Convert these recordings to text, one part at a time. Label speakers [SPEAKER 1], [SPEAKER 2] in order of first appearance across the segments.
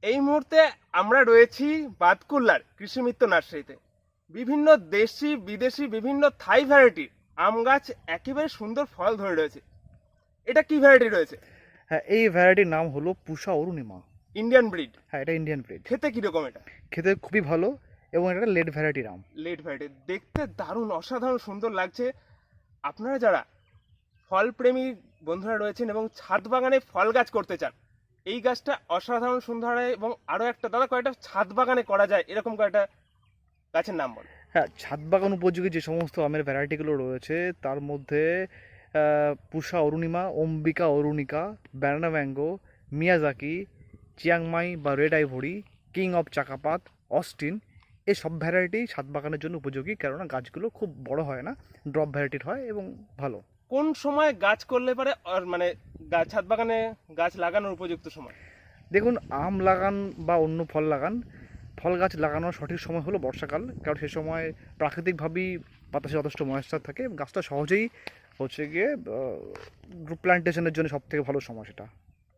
[SPEAKER 1] এই মুহূর্তে আমরা রয়েছি বাতকুল্লার কৃষি মিত্র নার্সারিতে। বিভিন্ন দেশি বিদেশি বিভিন্ন থাই ভ্যারাইটির আম গাছ একেবারে সুন্দর ফল ধরে রয়েছে। এটা কি ভ্যারাইটি রয়েছে?
[SPEAKER 2] হ্যাঁ, এই ভ্যারাইটির নাম হলো পুষা অরুণিমা।
[SPEAKER 1] Indian breed.
[SPEAKER 2] হ্যাঁ, এটা ইন্ডিয়ান ব্রিড।
[SPEAKER 1] খেতে কিরকম এটা?
[SPEAKER 2] খেতে খুবই ভালো এবং এটা লেট ভ্যারাইটির আম।
[SPEAKER 1] লেট ভ্যারাইটি দেখতে দারুণ অসাধারণ সুন্দর লাগছে। আপনারা যারা ফল প্রেমী বন্ধুরা রয়েছেন এবং ছাদ বাগানে ফল গাছ করতে চান, এই গাছটা অসাধারণ সুন্দর হয়। এবং আরো একটা দাদা, কয়টা ছাদ বাগানে করা যায় এরকম কয়টা গাছের নাম বল।
[SPEAKER 2] হ্যাঁ, ছাদ বাগান উপযোগী যে সমস্ত আমের ভ্যারাইটিগুলো রয়েছে তার মধ্যে Pusa Arunima, Ambika Arunika, banana mango, Miyazaki, Chiang Mai বা red ivory, king of Chakapat, Osteen, এই সব ভ্যারাইটি ছাদ বাগানের জন্য উপযোগী, কেননা গাছগুলো খুব বড় হয় না, ড্রপ ভ্যারাইটির হয় এবং ভালো।
[SPEAKER 1] কোন সময় গাছ করলে পারে মানে ছাদ বাগানে গাছ লাগানোর উপযুক্ত সময়?
[SPEAKER 2] দেখুন, আম লাগান বা অন্য ফল লাগান, ফল গাছ লাগানোর সঠিক সময় হলো বর্ষাকাল, কারণ সে সময় প্রাকৃতিকভাবেই বাতাসে যথেষ্ট ময়েশ্চার থাকে, গাছটা সহজেই হচ্ছে গিয়ে প্ল্যান্টেশনের জন্য সব থেকে ভালো সময় সেটা।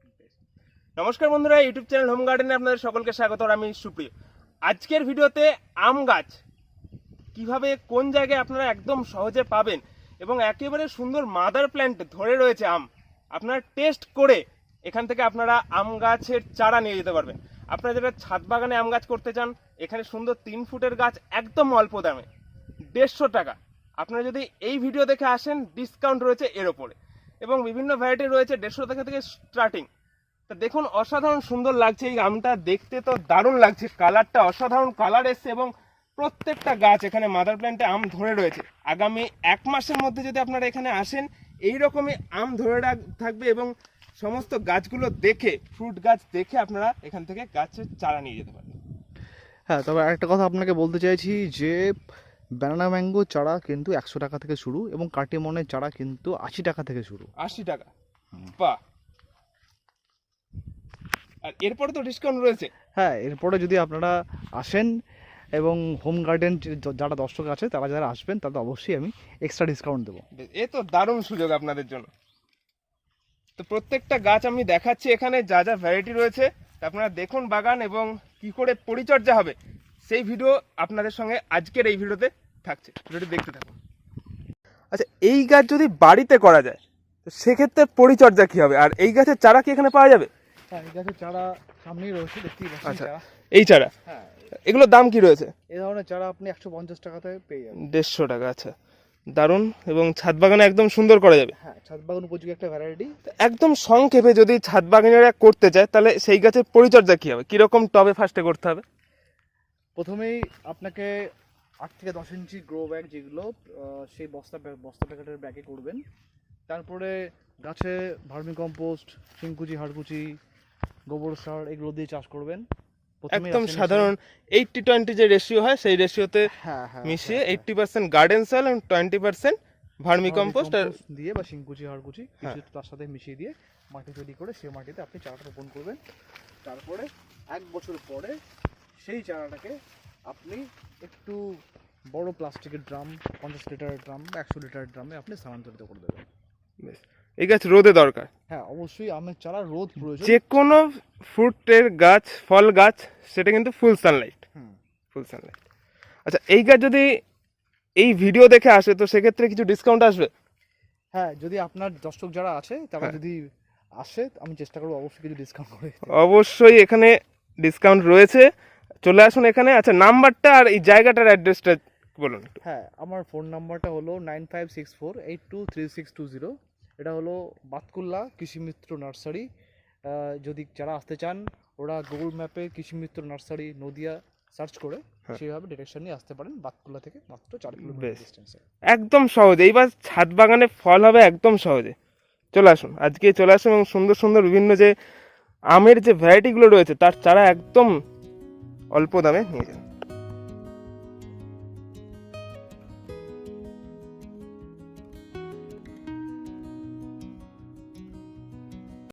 [SPEAKER 1] নমস্কার বন্ধুরা, ইউটিউব চ্যানেল হোম গার্ডেনে আপনাদের সকলকে স্বাগত। আমি সুপ্রিয়। আজকের ভিডিওতে আম গাছ কিভাবে কোন জায়গায় আপনারা একদম সহজে পাবেন এবং একেবারে সুন্দর মাদার প্ল্যান্ট ধরে রয়েছে আম, আপনারা টেস্ট করে এখান থেকে আপনারা আম গাছের চারা নিয়ে যেতে পারবেন। আপনারা যারা ছাদ বাগানে আম গাছ করতে চান, এখানে সুন্দর 3 ফুটের গাছ একদম অল্প দামে 150 টাকা। আপনারা যদি এই ভিডিও দেখে আসেন, ডিসকাউন্ট রয়েছে এর ওপরে এবং বিভিন্ন ভ্যারাইটি রয়েছে 150 টাকা থেকে স্টার্টিং। তা দেখুন, অসাধারণ সুন্দর লাগছে এই আমটা, দেখতে তো দারুণ লাগছে, কালারটা অসাধারণ কালার এসছে এবং প্রত্যেকটা গাছ এখানে মাদার প্ল্যান্টে আম ধরে রয়েছে। আগামী 1 মাসের মধ্যে যদি আপনারা এখানে আসেন, এইরকমই আম ধরে থাকবে এবং সমস্ত গাছগুলো দেখে, ফ্রুট গাছ দেখে আপনারা এখান থেকে গাছের চারা নিয়ে যেতে পারবেন।
[SPEAKER 2] হ্যাঁ, তবে আরেকটা কথা আপনাকে বলতে চাইছি যে ব্যানানা ম্যাঙ্গো চারা কিন্তু 100 টাকা থেকে শুরু এবং কাটিমনের চারা কিন্তু 80 টাকা থেকে শুরু।
[SPEAKER 1] 80 টাকা? বাহ! আর এরপরে তো ডিসকাউন্ট রয়েছে।
[SPEAKER 2] হ্যাঁ, এরপরে যদি আপনারা আসেন এবং হোম গার্ডেন যারা দর্শক আছে তারা যারা আসবেন তাদের অবশ্যই আমি এক্সট্রা ডিসকাউন্ট দেবো।
[SPEAKER 1] এ তো দারুণ সুযোগ আপনাদের জন্য। তো প্রত্যেকটা গাছ আমি দেখাচ্ছি এখানে যা যা ভ্যারাইটি রয়েছে, আপনারা দেখুন বাগান এবং কি করে পরিচর্যা হবে সেই ভিডিও আপনাদের সঙ্গে আজকের এই ভিডিওতে থাকছে। ভিডিওটি দেখতে থাকুন। আচ্ছা, এই গাছ যদি বাড়িতে করা যায় তো সেক্ষেত্রে পরিচর্যা কি হবে, আর এই গাছের চারা কি এখানে পাওয়া যাবে?
[SPEAKER 2] হ্যাঁ, এই গাছের চারা সামনেই রয়েছে, দেখতেই পাচ্ছেন।
[SPEAKER 1] আচ্ছা, এই চারা,
[SPEAKER 2] হ্যাঁ,
[SPEAKER 1] এগুলোর দাম কি রয়েছে?
[SPEAKER 2] এই ধরনের চারা আপনি 150 টাকাতে পেয়ে যাবেন।
[SPEAKER 1] 150 টাকা? আচ্ছা, দারুণ। এবং ছাদ বাগানে একদম সুন্দর করা যাবে।
[SPEAKER 2] হ্যাঁ, ছাদ বাগান উপযোগী একটা ভ্যারাইটি।
[SPEAKER 1] একদম সংক্ষেপে যদি ছাদ বাগানেরা করতে চায় তাহলে সেই গাছের পরিচর্যা কি হবে, কিরকম টবে ফার্স্টে করতে হবে?
[SPEAKER 2] প্রথমেই আপনাকে 8 থেকে 10 ইঞ্চি গ্রো ব্যাগ, যেগুলো সেই বস্তা প্যাকেটের ব্যাগে করবেন। তারপরে গাছে ভার্মি কম্পোস্ট, শিংকুচি, হাড়কুচি, গোবর সার এগুলো দিয়ে চাষ করবেন।
[SPEAKER 1] একদম সাধারণ 80-20 যে রেশিও হয় সেই রেশিওতে মিশিয়ে 80% গার্ডেন সয়েল এবং 20% ভার্মি কম্পোস্ট আর
[SPEAKER 2] দিয়ে বা শিংকুচি, হাড়কুচি কিছু তার সাথে মিশিয়ে দিয়ে মাটি তৈরি করে সেই মাটিতে আপনি চারাটা রোপণ করবেন। তারপরে 1 বছর পরে সেই চারাটাকে আপনি একটু বড় প্লাস্টিকের ড্রাম, 50 লিটারের ড্রাম বা 100 লিটারের ড্রামে আপনি স্থানান্তরিত করে দেবেন।
[SPEAKER 1] এই গাছ রোদে দরকার।
[SPEAKER 2] হ্যাঁ, অবশ্যই আমের চারা রোদ প্রয়োজন।
[SPEAKER 1] যে কোনো ফ্রুটের গাছ, ফল গাছ, সেটা কিন্তু ফুল সানলাইট। আচ্ছা, এই গাছ যদি এই ভিডিও দেখে আসে তো সেক্ষেত্রে কিছু ডিসকাউন্ট আসবে?
[SPEAKER 2] হ্যাঁ, যদি আপনার দর্শক যারা আছে তারা যদি আসে, আমি চেষ্টা করবো অবশ্যই কিছু ডিসকাউন্ট করে।
[SPEAKER 1] অবশ্যই এখানে ডিসকাউন্ট রয়েছে, চলে আসুন এখানে। আচ্ছা, নাম্বারটা আর এই জায়গাটার অ্যাড্রেসটা বলুন।
[SPEAKER 2] হ্যাঁ, আমার ফোন নাম্বারটা হলো 9564823620। এটা হলো বাতকুল্লা কৃষি মিত্র নার্সারি। যদি যারা আসতে চান ওরা গুগল ম্যাপে কৃষি মিত্র নার্সারি নদিয়া সার্চ করে সেইভাবে ডিরেকশন নিয়ে আসতে পারেন। বাতকুল্লা থেকে মাত্র 4 কিলোমিটার ডিস্টেন্সে, একদম
[SPEAKER 1] সহজে। এইবার ছাদ বাগানে ফল হবে একদম সহজে। চলে আসুন, আজকে চলে আসুন এবং সুন্দর সুন্দর বিভিন্ন যে আমের যে ভ্যারাইটিগুলো রয়েছে তার চারা একদম অল্প দামে নিয়ে যান।